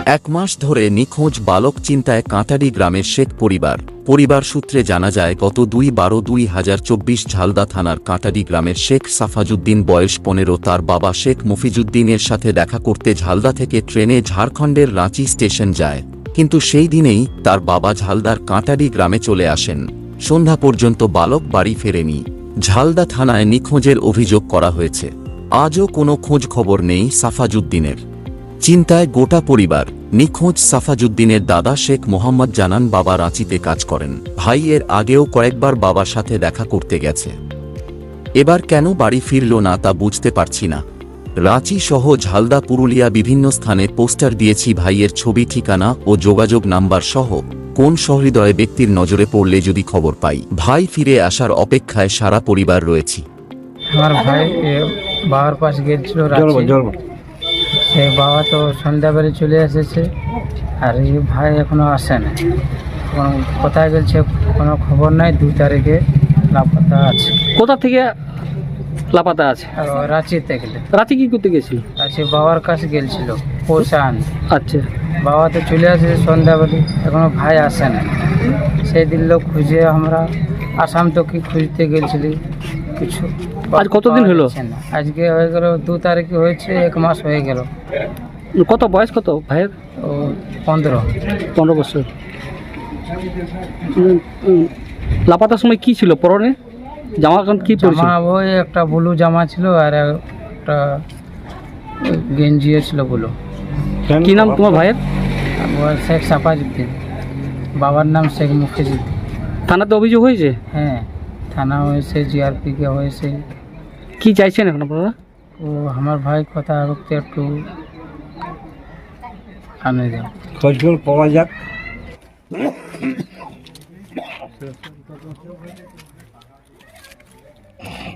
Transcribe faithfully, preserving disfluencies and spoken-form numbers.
এক মাস ধরে নিখোঁজ বালক চিন্তায় কাঁটারি গ্রামের শেখ পরিবার। পরিবার সূত্রে জানা যায়, গত দুই বারো দুই হাজার চব্বিশ ঝালদা থানার কাঁটারি গ্রামের শেখ সাফাজুদ্দিন বয়স পনেরো তার বাবা শেখ মফিজুদ্দিনের সাথে দেখা করতে ঝালদা থেকে ট্রেনে ঝাড়খণ্ডের রাঁচি স্টেশন যায়, কিন্তু সেই দিনেই তার বাবা ঝালদার কাঁটারি গ্রামে চলে আসেন। সন্ধ্যা পর্যন্ত বালক বাড়ি ফেরেনি। ঝালদা থানায় নিখোঁজের অভিযোগ করা হয়েছে। আজও কোনো খোঁজ খবর নেই সাফাজুদ্দিনের। চিন্তায় গোটা পরিবার। নিখোঁজ সাফাজুদ্দিনের দাদা শেখ মোহাম্মদ জানান, বাবা রাঁচিতে কাজ করেন, ভাই এর আগেও কয়েকবার বাবার সাথে দেখা করতে গেছে, এবার কেন বাড়ি ফিরল না তা বুঝতে পারছি না। রাঁচি সহ ঝালদা পুরুলিয়া বিভিন্ন স্থানে পোস্টার দিয়েছি, ভাইয়ের ছবি ঠিকানা ও যোগাযোগ নাম্বার সহ কোন সহৃদয় ব্যক্তির নজরে পড়লে যদি খবর পাই। ভাই ফিরে আসার অপেক্ষায় সারা পরিবার রয়েছি। আমার ভাই বাবার পাশ গেছিল, সে বাবা তো সন্ধ্যাবেলা চলে এসেছে, আর এই ভাই এখনো আসে না। কোনো কোথায় গেছে কোনো খবর নাই। দু তারিখে লাপাতা আছে। কোথা থেকে লাপাতা আছে? আর রাঁচিতে গেলে। রাঁচি কি করতে গেছিল? রাঁচি বাবার কাছে গেছিল পয়সা আনতে। আচ্ছা, বাবা তো চলে এসেছে সন্ধ্যাবেলা, এখনো ভাই আসে না। সেই দিন লোক খুঁজে আমরা আসাম তো কি খুঁজতে গেছিলি, কিছু। আজ কতদিন হলো? আজকে হয়ে গেল দু তারিখে হয়েছে, এক মাস হয়ে গেল। কত বয়স কত ভাইয়ের? ও পনেরো পনেরো বছর। উম, উম, লাপাতার সময় কি ছিল পরনে? জামা কান কি পরেছিল? জামা ওই একটা ব্লু জামা ছিল আর একটা গেঞ্জিও ছিল ব্লু। কি নাম তোমার ভাইয়ের? ও শেখ সাফাজুদ্দিন, বাবার নাম শেখ মফিজুদ্দিন। থানাতে অভিযোগ হয়েছে? হ্যাঁ, থানা হয়েছে, জিআরপিকে হয়েছে। কি চাইছেন এখন আপনারা? ও আমার ভাই কথা করতে একটু আনে যাও, খোঁজখবর পাওয়া যাক।